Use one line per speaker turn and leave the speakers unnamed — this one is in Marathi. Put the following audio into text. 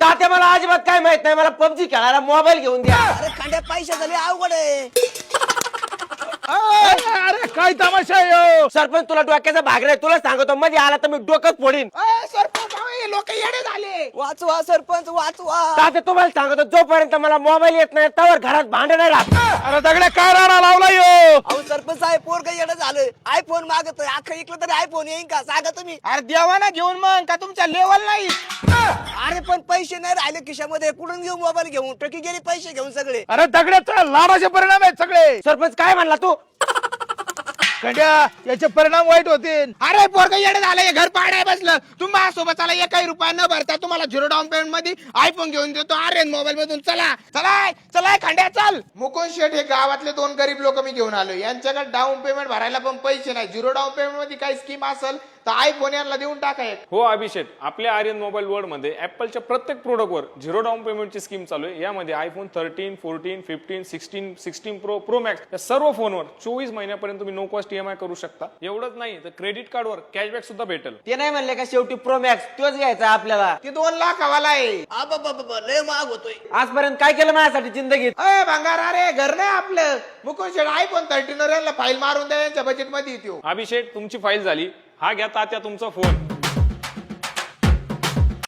तात्या मला अजिबात काय माहित नाही, मला पबजी खेळायला मोबाईल घेऊन द्या.
अरे खंड्या पैसे झाले अवघड आहे.
अरे काय तमाशा आहे
सरपंच तुला डोक्याचा भाग नाही, तुला सांगतो मध्ये आला तर मी डोकंच फोडीन.
सरपंच लोक येडे झाले.
वाचवा सरपंच वाचवा.
तात्या तुम्हाला सांगतो जोपर्यंत मला मोबाईल येत नाही तोवर घरात भांडण नाही राहत.
अरे दगड्या काय राडा लावला यो.
अहो सरपंच साहेब पोरग येणं झालं, आयफोन मागतोय, अख्खं इकलं तरी आयफोन येईन का सांगा तुम्ही.
अरे देवाना घेऊन मग का तुमच्या लेवल नाही.
अरे पण पैसे नाही राहिले खिशामध्ये, कुठून घेऊ मोबाईल घेऊन, टकी गेली पैसे घेऊन सगळे.
अरे दगड्याचा लाडाचे परिणाम आहेत सगळे.
सरपंच काय म्हणला तू?
खंड्या याचे परिणाम वाईट होतील. अरे पोरग येडे झालं, घर पाडाय बसलं. तुम्हाला सोबत आला 1 रुपया न भरता तुम्हाला 0 डाऊन पेमेंट मध्ये आयफोन घेऊन देतो. अरे मोबाईल मधून चला चलाय चलाय खंड्या चल.
मुकुंद शेठ हे गावातले 2 गरीब लोक मी घेऊन आलो. यांच्याकडे डाऊन पेमेंट भरायला पण पैसे नाही. 0 डाऊन पेमेंट मध्ये काही स्कीम असेल तर आयफोन यांना देऊन टाका एक.
हो अभिषेक, आपल्या आर्यन मोबाईल वर्ल्ड मध्ये ऍपलच्या प्रत्येक प्रोडक्टवर 0 डाऊन पेमेंटची स्कीम चालू आहे. यामध्ये आयफोन 13, 14, 15, 16, 16 प्रो, प्रो मॅक्स या सर्व फोनवर 24 महिन्यापर्यंत तुम्ही नो कॉस्ट ईएमआय करू शकता. एवढंच नाही तर क्रेडिट कार्डवर कॅशबॅक सुद्धा भेटेल.
ते नाही म्हणले का शेवटी प्रो मॅक्स तोच घ्यायचा आपल्याला.
ती 2 लाख हवाला आहे.
आबाबाबा लय महाग होतोय.
आजपर्यंत काय केलं माझ्यासाठी जिंदगीत?
अय भंगार, अरे घर नाही आपलं. मुकुंद शेठ आयफोन 13 यांना फाईल मारून द्या, यांच्या बजेट मध्ये येतो.
अभिषेक तुमची फाईल झाली, हा घ्या तात्या तुमचा फोन.